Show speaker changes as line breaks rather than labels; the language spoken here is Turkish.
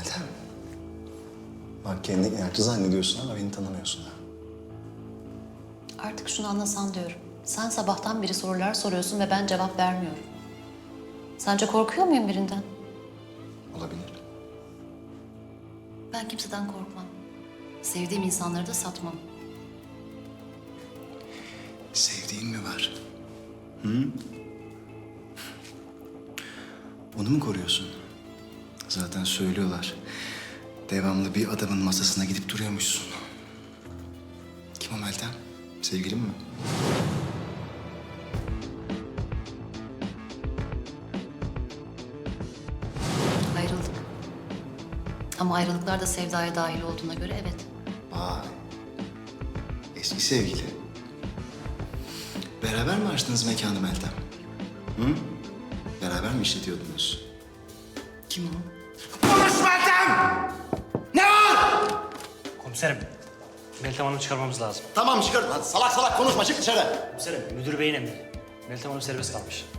Meltem. Bak kendini inatçı zannediyorsun ama beni tanımıyorsun ha.
Artık şunu anlasan diyorum. Sen sabahtan beri sorular soruyorsun ve ben cevap vermiyorum. Sence korkuyor muyum birinden?
Olabilir.
Ben kimseden korkmam. Sevdiğim insanları da satmam.
Sevdiğin mi var? Hı? Onu mu koruyorsun? Zaten söylüyorlar. Devamlı bir adamın masasına gidip duruyormuşsun. Kim o Meltem? Sevgilin mi?
Ayrıldık. Ama ayrılıklar da sevdaya dahil olduğuna göre evet.
Vay. Eski sevgili. Beraber mi açtınız mekanı Meltem? Hı? Beraber mi işletiyordunuz? Kim o?
Konuş Meltem! Ne var?
Komiserim, Meltem Hanım'ı çıkarmamız lazım.
Tamam çıkar. Hadi salak salak konuşma çık dışarı.
Komiserim, müdür beyin emri. Meltem Hanım serbest kalmış.